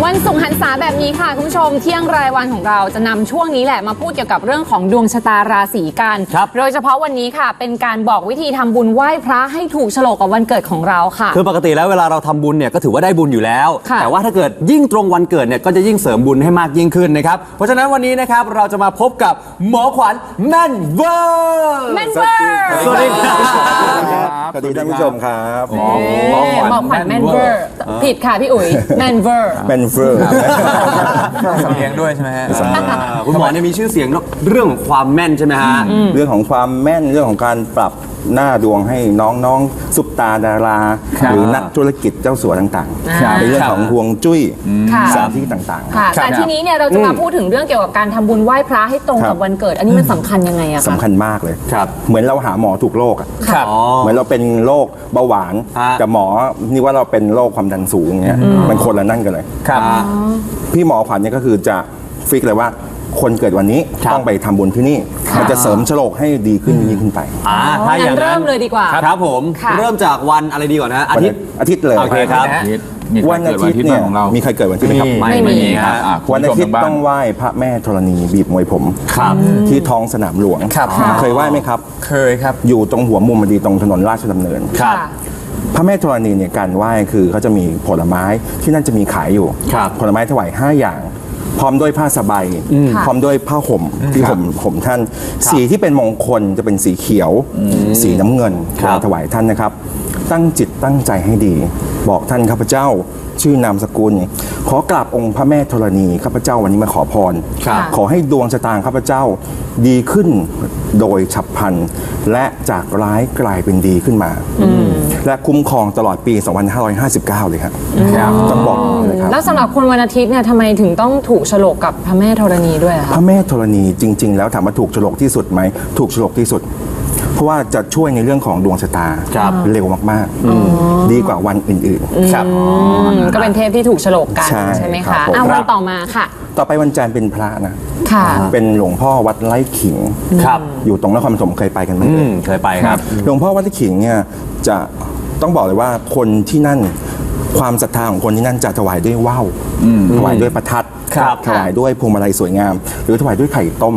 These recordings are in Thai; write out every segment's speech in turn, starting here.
วันศุกร์หันษาแบบนี้ค่ะคุณผู้ชมเที่ยงรายวันของเราจะนำช่วงนี้แหละมาพูดเกี่ยวกับเรื่องของดวงชะตาราศีกันโดยเฉพาะวันนี้ค่ะเป็นการบอกวิธีทำบุญไหว้พระให้ถูกโฉลกกับวันเกิดของเราค่ะคือปกติแล้วเวลาเราทำบุญเนี่ยก็ถือว่าได้บุญอยู่แล้วแต่ว่าถ้าเกิดยิ่งตรงวันเกิดเนี่ยก็จะยิ่งเสริมบุญให้มากยิ่งขึ้นนะครับเพราะฉะนั้นวันนี้นะครับเราจะมาพบกับหมอขวัญแม่นเวอร์สวัสดีครับสวัสดีท่านผู้ชมครับหมอขวัญแม่นเวอร์ผิดค่ะพี่อุ๋ยแม่นเวอร์แมนเฟอร์สำเนียงด้วยใช่ไหมฮะคุณหมอเนี่ยมีชื่อเสียงเรื่องของความแม่นใช่ไหมฮะเรื่องของความแม่นเรื่องของการปรับหน้าดวงให้น้องๆซุปตาดาราหรือนักธุรกิจเจ้าสัวต่างๆในเรื่องของฮวงจุ้ยสถานที่ต่างๆแต่ทีนี้เนี่ยเราจะมาพูดถึงเรื่องเกี่ยวกับการทำบุญไหว้พระให้ตรงกับวันเกิดอันนี้มันสำคัญยังไงอะคะสำคัญมากเลยเหมือนเราหาหมอถูกโรคอะเหมือนเราเป็นโรคเบาหวานแต่หมอนี่ว่าเราเป็นโรคความดันสูงอย่างเงี้ยมันคนละนั่นกันเลยพี่หมอขวัญเนี่ยก็คือจะฟิกเลยว่าคนเกิดวันนี้ต้องไปทำบุญที่นี่มันจะเสริมโฉลกให้ดีขึ้นยิ่งขึ้นไปถ้าอย่างนั้นเริ่มเลยดีกว่าครับผมเริ่มจากวันอะไรดีก่อนนะอาทิตย์เลยโอเคครับวันอาทิตย์เนี่ยมีใครเกิดวันที่ไหมครับไม่มีครับวันอาทิตย์ต้องไหว้พระแม่ธรณีบีบมวยผมที่ท้องสนามหลวงเคยไหว้ไหมครับเคยครับอยู่ตรงหัวมุมพอดีตรงถนนราชดำเนินพระแม่ธรณีเนี่ยการไหว้คือเขาจะมีผลไม้ที่นั่นจะมีขายอยู่ผลไม้ถวาย5 อย่างพร้อมด้วยผ้าสบายพร้อมด้วยผ้าห่มที่ห่มท่านสีที่เป็นมงคลจะเป็นสีเขียวสีน้ำเงินเราถวายท่านนะครับตั้งจิตตั้งใจให้ดีบอกท่านข้าพเจ้าชื่อนามสกุลขอกราบองค์พระแม่ธรณีข้าพเจ้าวันนี้มาขอพรขอให้ดวงชะตาข้าพเจ้าดีขึ้นโดยฉับพลันและจากร้ายกลายเป็นดีขึ้นมาและคุ้มครองตลอดปี 2559 เลยครับต้องบอกเลยครับแล้วสำหรับคนวันอาทิตย์เนี่ยทำไมถึงต้องถูกโฉลกกับพระแม่ธรณีด้วยคะพระแม่ธรณีจริงๆแล้วถามว่าถูกโฉลกที่สุดไหมถูกโฉลกที่สุดเพราะว่าจะช่วยในเรื่องของดวงชะตาเร็วมากๆดีกว่าวันอื่นๆก็เป็นเทพที่ถูกโฉลกกันใช่ไหมคะวันต่อมาค่ะต่อไปวันจันทร์เป็นพระนะเป็นหลวงพ่อวัดไร่ขิงอยู่ตรงนครปฐมเคยไปกันไหมเคยไปครับหลวงพ่อวัดไร่ขิงเนี่ยจะต้องบอกเลยว่าคนที่นั่นความศรัทธาของคนที่นั่นจะถวายด้วยว่าวถวายด้วยประทัดถวายด้วยพวงมาลัยสวยงามหรือถวายด้วยไข่ต้ม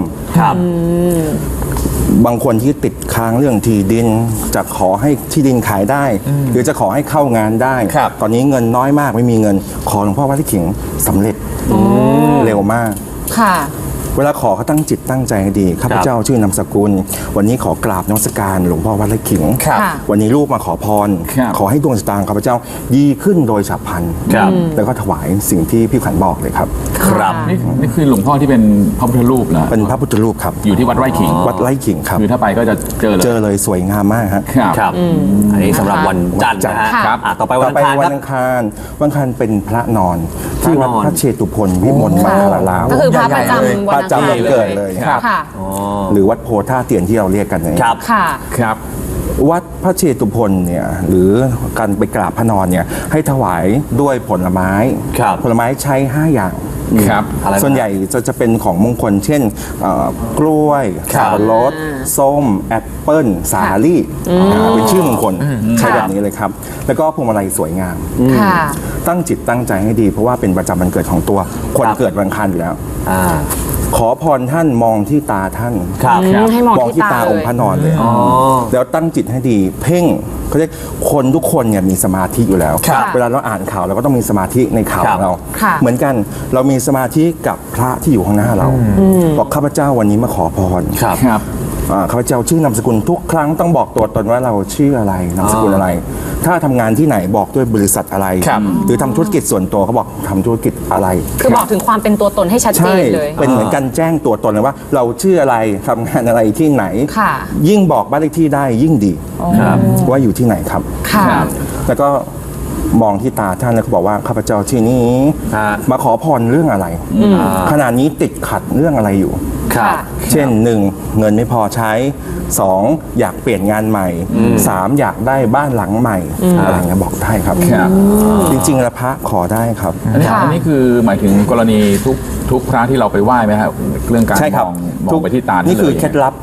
บางคนที่ติดค้างเรื่องที่ดินจะขอให้ที่ดินขายได้หรือจะขอให้เข้างานได้ตอนนี้เงินน้อยมากไม่มีเงินขอหลวงพ่อวัดไร่ขิงสำเร็จเร็วมากเวลาขอเขาตั้งจิตตั้งใจให้ดีข้าพเจ้าชื่อนามสกุลวันนี้ขอกราบนมัสการหลวงพ่อวัดไร่ขิงวันนี้ลูกมาขอพรขอให้ดวงชะตาข้าพเจ้าดีขึ้นโดยฉับพลันแล้วก็ถวายสิ่งที่พี่ขวัญบอกเลยครับนี่คือหลวงพ่อที่เป็นพระพุทธรูปนะเป็นพระพุทธรูปครับอยู่ที่วัดไร่ขิงครับคือถ้าไปก็จะเจอเลยสวยงามมากครับอันนี้สำหรับวันจันทร์นะครับต่อไปวันอังคารเป็นพระนอนที่วัดพระเชตุพนวิมลมังคลารามก็คือพระประจำวันจำวันเกิดเลยหรือวัดโพท่าเตียนที่เราเรียกกันเนี่ยครับวัดพระเชตุพนเนี่ยหรือการไปกราบพระนอนเนี่ยให้ถวายด้วยผลไม้ใช้5 อย่างส่วนใหญ่จะเป็นของมงคลเช่นกล้วยสับปะรดส้มแอปเปิ้ลสาลี่เป็นชื่อมงคลใช้แบบนี้เลยครับแล้วก็พวงมาลัยสวยงามตั้งจิตตั้งใจให้ดีเพราะว่าเป็นประจำวันเกิดของตัวคนเกิดวันอังคารอยู่แล้วขอพรท่านมองที่ตาท่านมองที่ตาองค์พระนอนเลยแล้วตั้งจิตให้ดีเพ่งเขาเรียกคนทุกคนเนี่ยมีสมาธิอยู่แล้วเวลาเราอ่านข่าวเราก็ต้องมีสมาธิในข่าวของเราเหมือนกันเรามีสมาธิกับพระที่อยู่ข้างหน้าเราบอกข้าพเจ้าวันนี้มาขอพรข้าพเจ้าชื่อนามสกุลทุกครั้งต้องบอกตัวตนว่าเราชื่ออะไรนามสกุลอะไรถ้าทำงานที่ไหนบอกด้วยบริษัทอะไรหรือทำธุรกิจส่วนตัวเขาบอกทำธุรกิจอะไรคือบอกถึงความเป็นตัวตนให้ชัดเจนเลยเป็นเหมือนกันแจ้งตัวตนเลยว่าเราชื่ออะไรทำงานอะไรที่ไหนยิ่งบอกบ้านเลขที่ได้ยิ่งดีว่าอยู่ที่ไหนครับแล้วก็มองที่ตาท่านแล้วก็บอกว่าข้าพเจ้าที่นี้มาขอพรเรื่องอะไรขณะนี้ติดขัดเรื่องอะไรอยู่เช่น 1. เงินไม่พอใช้ 2. อยากเปลี่ยนงานใหม่ 3. อยากได้บ้านหลังใหม่อะไรเงี้ยบอกได้ครับจริงๆแล้วพระขอได้ครับอันนี้คือหมายถึงกรณีทุกพระที่เราไปไหว้ไหมครับเรื่องการมองไปที่ตานี่คือเคล็ดลับ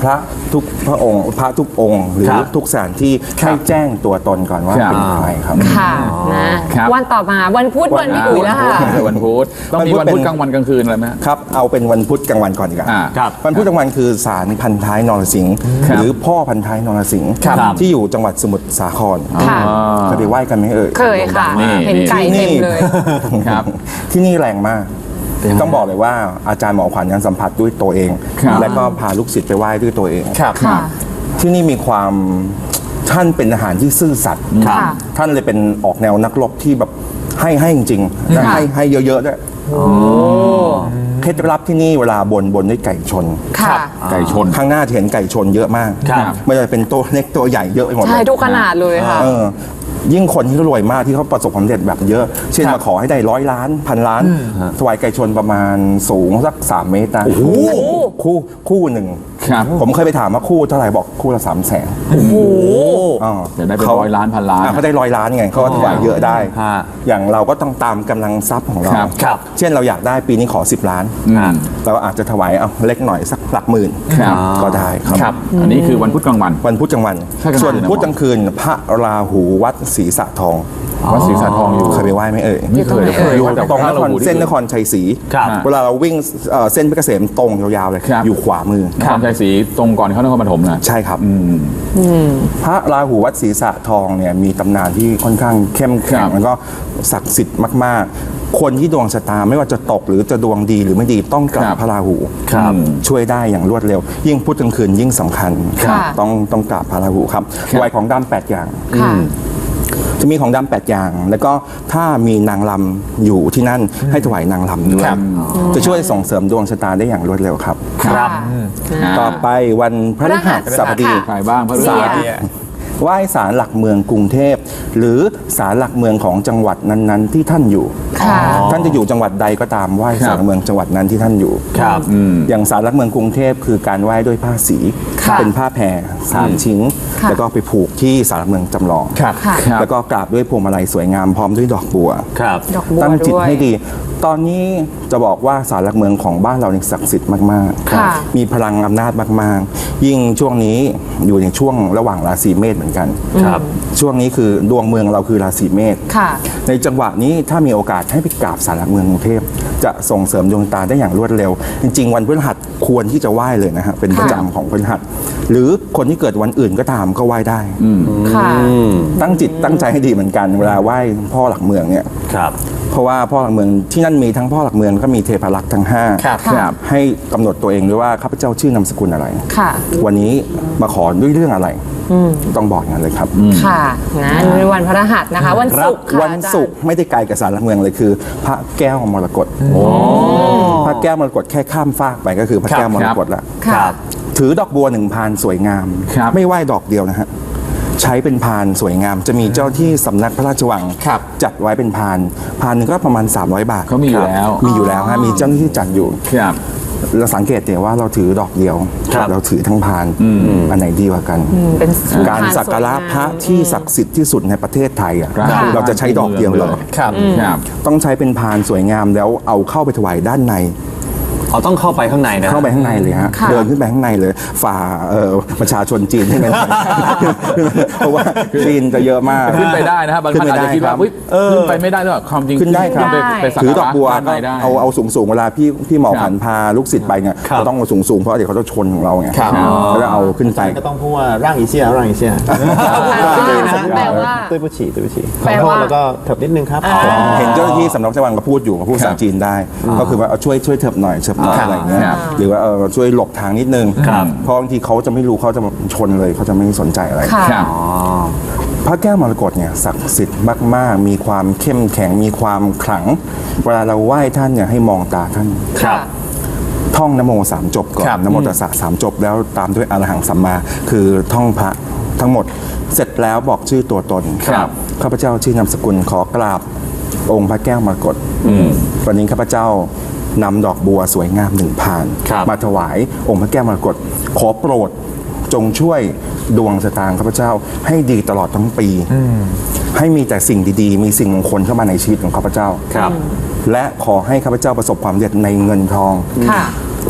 พระทุกพระองค์พระทุกองค์หรือครับทุกสถานที่ให้แจ้งตัวตนก่อนว่าครับเป็นใครครับค่ะนะครับ วันต่อมาวันพุธวันพี่อุ๋ยแล้วค่ะวันพุธต้องมีวันพุธกลางวันกลางคืนอะไรไหมฮะครับเอาเป็นวันพุธกลางวันก่อนดีกว่าครับวันพุธกลางวันคือศาลพันท้ายนรสิงห์ครับหรือพ่อพันท้ายนรสิงห์ครับที่อยู่จังหวัดสมุทรสาครค่ะเคยไปไหว้กันไหมเอ่ยเคยค่ะนี่เห็นไก่เต็มเลยครับที่นี่แรงมาก ต้องบอกเลยว่าอาจารย์หมอขวัญยังสัมผัสด้วยตัวเองครับและก็พาลูกศิษย์ไปไหว้ด้วยตัวเองครับค่ะที่นี่มีความท่านเป็นทหารที่ซื่อสัตย์ครับค่ะท่านเลยเป็นออกแนวนักรบที่แบบให้จริงๆและค่ะให้เยอะๆด้วยเคล็ดลับที่นี่เวลาบนด้วยไก่ชนค่ะไก่ชนข้างหน้าจะเห็นไก่ชนเยอะมากครับไม่ว่าจะเป็นตัวเล็กตัวใหญ่เยอะไปหมดเลใช่ยทุกขนาดเลยค่ะเออยิ่งคนที่รวยมากที่เขาประสบความสำเร็จแบบเยอะ เช่นมาขอให้ได้100 ล้าน1,000 ล้านถวายไก่ชนประมาณสูงสัก3 เมตรนะคู่หนึ่งครับผมเคยไปถามว่าคู่เท่าไหร่บอกคู่ละ300,000 โอ้โหจะได้เป็น100 ล้าน1,000 ล้านเขาได้100 ล้านไงเขาก็ถวายเยอะได้ฮะอย่างเราก็ต้องตามกำลังทรัพย์ของเราครับครับเช่นเราอยากได้ปีนี้ขอ10 ล้าน เราอาจจะถวายเอาเล็กหน่อยสักหลักหมื่นครับก็ได้ครับครับ อันนี้คือวันพุธกลางวันวันพุธกลางวันใช่กลางวันส่วนพุธกลางคืนพระราหูวัดศรีสะทองวัดศรีสะทองอยู่เคยไปไหว้ไหมเอ่ยไม่เคยอยู่ตรงไหนเอ่ยอยู่แต่ตรงพะนครหูที่เส้นนครชัยศรีครับเวลาเราวิ่งเส้นเพชรเกษมตรงยาวๆเลยครับอยู่ขวามือนครชัยศรีตรงก่อนเข้านครปฐมนะใช่ครับพระราหูวัดศรีสะทองเนี่ยมีตำนานที่ค่อนข้างเข้มแข็ครังบแล้วก็ศักดิ์สิทธิ์มากๆ คนที่ดวงชะตาไม่ว่าจะตกหรือจะดวงดีหรือไม่ดีต้องกราครับ บพระราหูครับช่วยได้อย่างรวดเร็ว ยิ่งพุธกลางคืนยิ่งสำคัญค่ะต้องกราบพระราหูครับครับไหวของดำ8 อย่างค่ะจะมีของดำ8 อย่าง แล้วก็ถ้ามีนางลำอยู่ที่นั่นให้ถวายนางลำด้วยครับจะช่วยส่งเสริมดวงชะตาได้อย่างรวดเร็วครับครับต่อไปวันพฤหัสบดีค่ะใครบ้างพระฤเสีหัยสไหว้ศาลหลักเมืองกรุงเทพ หรือศาลหลักเมืองของจังหวัดนั้นๆ ที่ท่านอยู่ค่ะท่านจะอยู่จังหวัดใดก็ตามไหว้ศาลหลักเมืองจังหวัดนั้นที่ท่านอยู่ครับอย่างศาลหลักเมืองกรุงเทพคือการไหว้ด้วยผ้าสีค่ะเป็นผ้าแพร3 ชิ้นค่ะแล้วก็ไปผูกที่ศาลหลักเมืองจำลองครับค่ะครับแล้วก็กราบด้วยพวงมาลัยสวยงามพร้อมด้วยดอกบัวครับดอกบัวตั้งจิตด้วยให้ดี ตอนนี้จะบอกว่าศาลหลักเมืองของบ้านเราเนี่ยศักดิ์สิทธิ์มากค่ะมีพลังอำนาจมากๆ ยิ่งช่วงนี้อยู่ในช่วงระหว่างราศีเมษเหมือนกันครับช่วงนี้คือดวงเมืองเราคือราศีเมษค่ะในจังหวะนี้ถ้ามีโอกาสให้ไปกราบศาลหลักเมืองกรุงเทพจะส่งเสริมดวงตาได้อย่างรวดเร็ว จริงๆ วันพฤหัสควรที่จะไหว้เลยนะฮะเป็นประจำของพฤหัสหรือคนที่เกิดวันอื่นก็ตามก็ไหว้ได้ค่ะตั้งจิตตั้งใจให้ดีเหมือนกันเวลาไหว้พ่อหลักเมืองเนี่ยครับเพราะว่าพ่อหลักเมืองที่นั่นมีทั้งพ่อหลักเมืองก็มีเทพารักษ์ทั้ง5 ครับค่ะให้กำหนดตัวเองด้วยว่าข้าพเจ้าชื่อนามสกุลอะไรค่ะวันนี้มาขอด้วยเรื่องอะไรต้องบอกอย่างนั้นเลยครับค่ะนะในวันพฤหัสนะคะ วันศุกร์ค่ะวันศุกร์ไม่ได้ไกลกับศาลหลักเมืองเลยคือ พระแก้วมรกตพระแก้วมรกตแค่ข้ามฟากไปก็คือพระแก้วมรกตละค่ะถือดอกบัว1 พานสวยงามครับไม่ไหว้ดอกเดียวนะฮะใช้เป็นพานสวยงาม จะมีเจ้าที่สำนักพระราชวังครับจัดไว้เป็นพานหนึ่งก็ประมาณ300 บาทเขามีอยู่แล้วมีอยู่แล้วฮะมีเจ้าหน้าที่จัดอยู่ครับเราสังเกตเนี่ยว่าเราถือดอกเดียวครับเราถือทั้งพานอันไหนดีกว่ากันเป็นการสักการะพระที่ศักดิ์สิทธิ์ที่สุดในประเทศไทยอ่ะครับเราจะใช้ดอกเดียวเหรอครับครับต้องใช้เป็นพานสวยงามแล้วเอาเข้าไปถวายด้านในเขาต้องเข้าไปข้างในนะเข้าไปข้างในเลยฮะค่ะเดินขึ้นไปข้างในเลยฝ่าประชาชนจีนขึ้นไปหน่อย เพราะว่าจีนจะเยอะมากขึ้นไปได้นะครับบางท่านอาจจะคิดว่าขึ้นไปได้อุ๊ยขึ้นไปไม่ได้หรอกความจริงขึ้นได้ครับไปสักถือการะดอกบัวด้านในได้เอาสูงเวลาพี่หมอครับผันพาลูกศิษย์ไปเนี่ยครับก็ต้องเอาสูงเพราะเดี๋ยวเขาจะชนของเราไงครับก็จะเอาขึ้นไปก็ต้องพูดว่าร่างอีเซียร่างอีเซียแปลว่าตุ้ยปุฉีตุ้ยปุฉีขแปอลโทษว่าแล้วก็เถิบนิดนึงครับเห็นเจ้าหน้าที่สำนักพระราชวังก็พูดอยู่พูดภาษาจีนได้ ก็คือว่าเอาช่วยเถิบหน่อยอะไรอย่างเงี้ยครับหรือว่าช่วยหลบทางนิดนึงเพราะบางทีเขาจะไม่รู้เขาจะชนเลยเขาจะไม่สนใจอะไรค่ะครับพระแก้วมรกตเนี่ยศักดิ์สิทธิ์มากๆ มีความเข้มแข็งมีความขลัง เวลาเราไหว้ท่านเนี่ยให้มองตาท่านครับท่องนโม3 จบก่อนครับนโมตัสสะ3 จบแล้วตามด้วยอรหังสัมมาคือท่องพระทั้งหมดเสร็จแล้วบอกชื่อตัวตนครับข้าพเจ้าชื่อนามสกุลขอกราบองค์พระแก้วมรกตวันนี้ข้าพเจ้านำดอกบัวสวยงาม1 พานครับมาถวายองค์พระแก้วมรกตขอโปรดจงช่วยดวงชะตาข้าพเจ้าให้ดีตลอดทั้งปีให้มีแต่สิ่งดีๆ มีสิ่งมงคลเข้ามาในชีวิตของข้าพเจ้าครับและขอให้ข้าพเจ้าประสบความสำเร็จในเงินทองค่ะ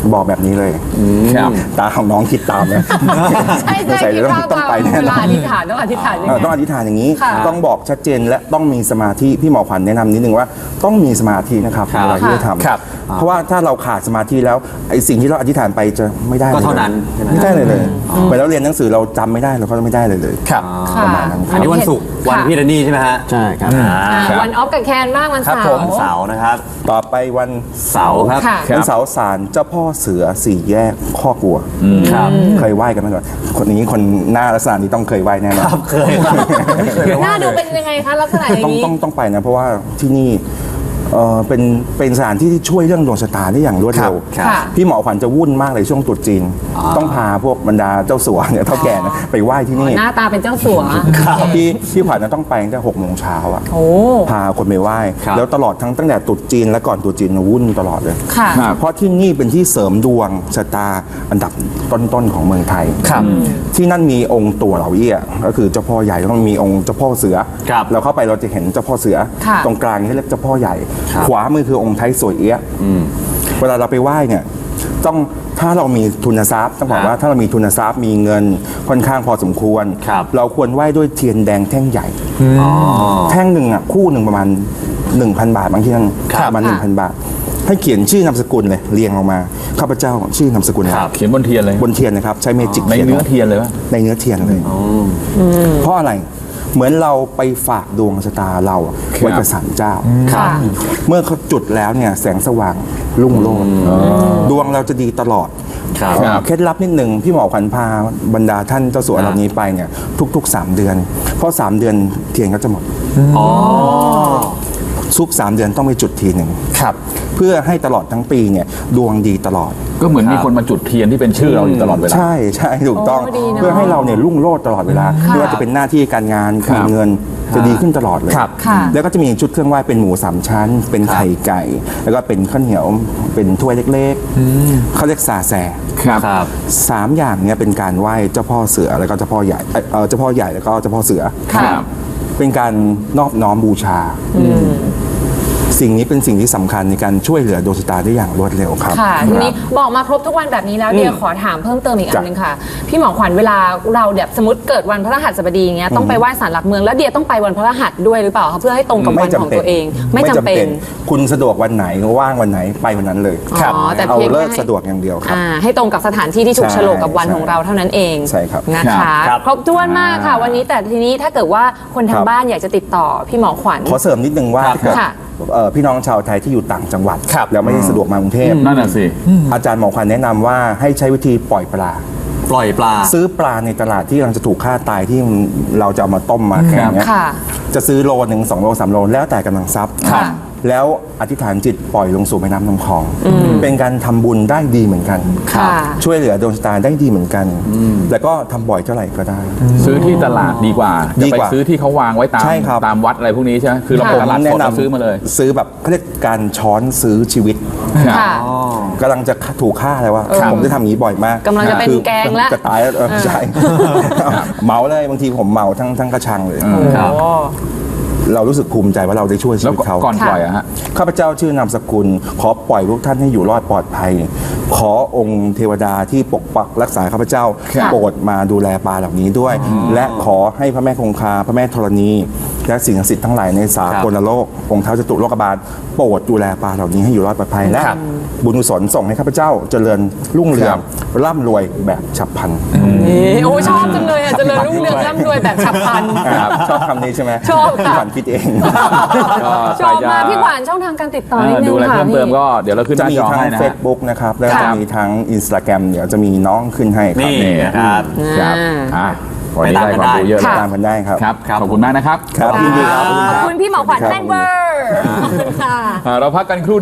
บอกแบบนี้เลยครับตาของน้องคิดตามนะใช่ใช่สงสัยคิดว่าต้องไปแน่เวน ลาออน ธิษฐานต้องอธิษฐานยังไงต้องอธิษฐานอย่างนี้ค่ะต้องบอกชัดเจนและต้องมีสมาธิพี่หมอขวัญแนะนำนิดนึงว่าต้องมีสมาธินะครับครับเวลาที่จะทครับำเพราะว่าถ้าเราขาดสมาธิแล้วไอ้สิ่งที่เราอธิษฐานไปจะไม่ได้ก็เท่าลยนั้นใช่ไหมไม่ได้เลยเหมือนเราเรียนหนังสือเราจำไม่ได้เราก็ไม่ได้เลยครับค่ะประมาณนั้นคอัรันบนี้วันศุกร์วันพี่แดนนี่ใช่ไหมฮะใช่ครับวันออฟกับแคนบ้างวันครับเสาผมร์เสาร์นะครับต่อไปวันเสาร์ครับค่ะวันเสาร์ศาลเจ้าพ่อเสือสี่แยกข้อกลัวครับเคยไหว้กันไหมก่อนคนนี้คนหน้าลักษณะนี้ต้องเคยไหว้แน่นอนเคยครับหน้าดูเป็นยังไงคะลักษณะอย่างนี้ต้องไปนะเพราะว่าที่นี่เป็นสถานที่ที่ช่วยเรื่องดวงชะตาได้อย่างรวดเร็วครับค่ะพี่หมอขวัญจะวุ่นมากเลยช่วงตรุษจีน ต้องพาพวกบรรดาเจ้าสัวเนี่ยเท่าแก่นะไปไหว้ที่นี่หน้าตาเป็นเจ้าสัวพี่ขวัญจะต้องไปตั้งแต่6 โมงเช้าอ่ะโอ้พาคนไปไหว้ครับแล้วตลอดตั้งแต่ตรุษจีนและก่อนตรุษจีนวุ่นตลอดเลยค่ะเพราะที่นี่เป็นที่เสริมดวงชะตาอันดับต้นๆของเมืองไทยครับที่นั่นมีองค์ตัวเหล่าเอี้ยก็คือเจ้าพ่อใหญ่แล้วก็มีองค์เจ้าพ่อเสือครับเราเข้าไปเราจะเห็นเจ้าพ่อเสือค่ะตรงกลางนี่เรียกเจ้าพ่อใหญ่ครับขวามือคือองค์ไทยสวยเอี้ยเวลาเราไปไหว้เนี่ยต้องถ้าเรามีทุนทรัพย์ต้องบอกว่าถ้าเรามีทุนทรัพย์มีเงินค่อนข้างพอสมควรครับเราควรไหว้ด้วยเทียนแดงแท่งใหญ่ แท่งหนึ่งอ่ะคู่หนึ่งประมาณ 1,000 บาทบางทีนั่นครับประมาณอ่า 1,000 บาท ให้เขียนชื่อนามสกุลเลยเรียงออกมาข้าพเจ้าชื่อนามสกุลครับเขียนบนเทียนเลยบนเทียนนะครับใช้เมจิกในเขียนเนื้อเทียนเลยปะในเนื้อเทียนเลยเพราะอะไรเหมือนเราไปฝากดวงชะตาเราไว้กับศาลเจ้าค่ะเมื่อเขาจุดแล้วเนี่ยแสงสว่างรุ่งโรจน์ดวงเราจะดีตลอดครับเคล็ดลับนิดนึงพี่หมอขวัญพาบรรดาท่านเจ้าสัวเหล่านี้ไปเนี่ยทุกๆ 3 เดือน เพราะ 3 เดือนเทียนก็จะหมดอ๋อทุก 3 เดือนต้องไปจุดทีหนึ่งครับเพื่อให้ตลอดทั้งปีเนี่ยดวงดีตลอดก็เหมือนมีคนมาจุดเทียนที่เป็นชื่อเราอยู่ตลอดเวลาใช่ใช่ถูกต้องโอ้ดีเนอะเพื่อให้เราเนี่ยรุ่งโรจน์ตลอดเวลาไม่ว่าจะเป็นหน้าที่การงานครับการเงินจะดีขึ้นตลอดเลยครับค่ะแล้วก็จะมีชุดเครื่องไหว้เป็นหมู3 ชั้น เป็นไข่ไก่ แล้วก็เป็นข้าวเหนียวเป็นถ้วยเล็กๆเขาเรียกซาแซครับครับ 3 อย่างเนี่ยเป็นการไหว้เจ้าพ่อเสือแล้วก็เจ้าพ่อใหญ่เจ้าพ่อใหญ่แล้วก็เจ้าพ่อเสือครับเป็นการนอบน้อมบูชา สิ่งนี้เป็นสิ่งที่สำคัญในการช่วยเหลือดวงชะตาได้อย่างรวดเร็วครับค่ะทีนี้บอกมาครบทุกวันแบบนี้แล้วเดียขอถามเพิ่มเติมอีกอันหนึงค่ะ พี่หมอขวัญเวลาเราแบบสมมติเกิดวันพฤหัสบดีอย่างเงี้ยต้องไปไหว้ศาลหลักเมืองแล้วเดียต้องไปวันพฤหัสด้วยหรือเปล่าคะเพื่อให้ตรงกับวันของตัวเองไม่จำเป็นคุณสะดวกวันไหนว่างวันไหนไปวันนั้นเลยครับ แต่เอาเพียงแค่เลิกสะดวกอย่างเดียวครับให้ตรงกับสถานที่ที่ถูกใช่โฉลกกับวันของเราเท่านั้นเองใช่ครับนะคะครับครบถ้วนมากค่ะ วันนี้แต่ทีนี้ถ้าเกิดว่าคนทางบ้านอยากจะติดต่อพี่หมอขวัญขอเสริมนิดนึงว่าครับถ้าเกิดค่ะพี่น้องชาวไทยที่อยู่ต่างจังหวัดครับแล้วไม่ได้สะดวกมากรุงเทพนั่นน่ะสิอาจารย์หมอขวัญแนะนำว่าให้ใช้วิธีปล่อยปลาปล่อยปลาซื้อปลาในตลาดที่กำลังจะถูกฆ่าตายที่เราจะเอามาต้มมาแข่งเนี้ยค่ะจะซื้อโลนึง2 โล 3 โลแล้วแต่กำลังทรัพย์ค่ะแล้วอธิษฐานจิตปล่อยลงสู่แม่น้ำลำคลอง เป็นการทำบุญได้ดีเหมือนกันค่ะช่วยเหลือดวงชะตาได้ดีเหมือนกัน แล้วก็ทำบ่อยเท่าไหร่ก็ได้ซื้อที่ตลาดดีกว่าดีจะไปกว่าซื้อที่เขาวางไว้ตามใช่ครับตามวัดอะไรพวกนี้ใช่ไหมคือเราไปค่ะตลาดสดเราซื้อมาเลยซื้อแบบเขาเรียกการช้อนซื้อชีวิตค่ะกำลังจะถูกฆ่าแล้วว่าผมจะทำอย่างนี้บ่อยมากกำลังจะเป็นคือแกงละจะตายแล้วใช่ เมาเลยบางทีผมเมาทั้งกระชังเลยครับโอ้เรารู้สึกภูมิใจว่าเราได้ช่วยชีแล้ววิตเขาก่อนปล่อยอะฮะข้าพเจ้าชื่อนามสกุล ขอปล่อยพวกท่านให้อยู่รอดปลอดภัย ขอองค์เทวดาที่ปกปักรักษาข้าพเจ้าครับโปรดมาดูแลปลาเหล่านี้ด้วย และขอให้พระแม่คงคาพระแม่ธรณี และสิ่งศักดิ์สิทธิ์ทั้งหลายในสากลโลกองค์เท้าจตุโลกบาลโปรดดูแลปลาเหล่านี้ให้อยู่รอดปลอดภัยและครับบุญกุศลส่งให้ข้าพเจ้าเจริญรุ่งเรืองร่ำรวยแบบฉับพลันโอ้ชอบจังเลยอ่ะเจริญรุ่งเรืองร่ำรวยแบบฉับพลันชอบคำนี้ใช่ไหมชอบค่ะพี่ขวัญคิดเองชอบมากพี่ขวัญช่องทางการติดต่อนิดนึดูงอะไรค่ะเพิ่มเติมก็เดี๋ยวเราขึ้นหจะน้ามีจอทั้งให้นะฮะ Facebook นะครับแล้วครัจะบมีทั้ง Instagram เดี๋ยวจะมีน้องขึ้นให้ครับนี่นะครับครับวันนี้ได้ความรู้เยอะติเลดยตามกันได้ครับครับ ขอบคุณมากนะครับครับยินดีครับขอบคุณพี่หมอขวัญแม่นเวอร์ขอบคุณค่ะเราพักกันครู่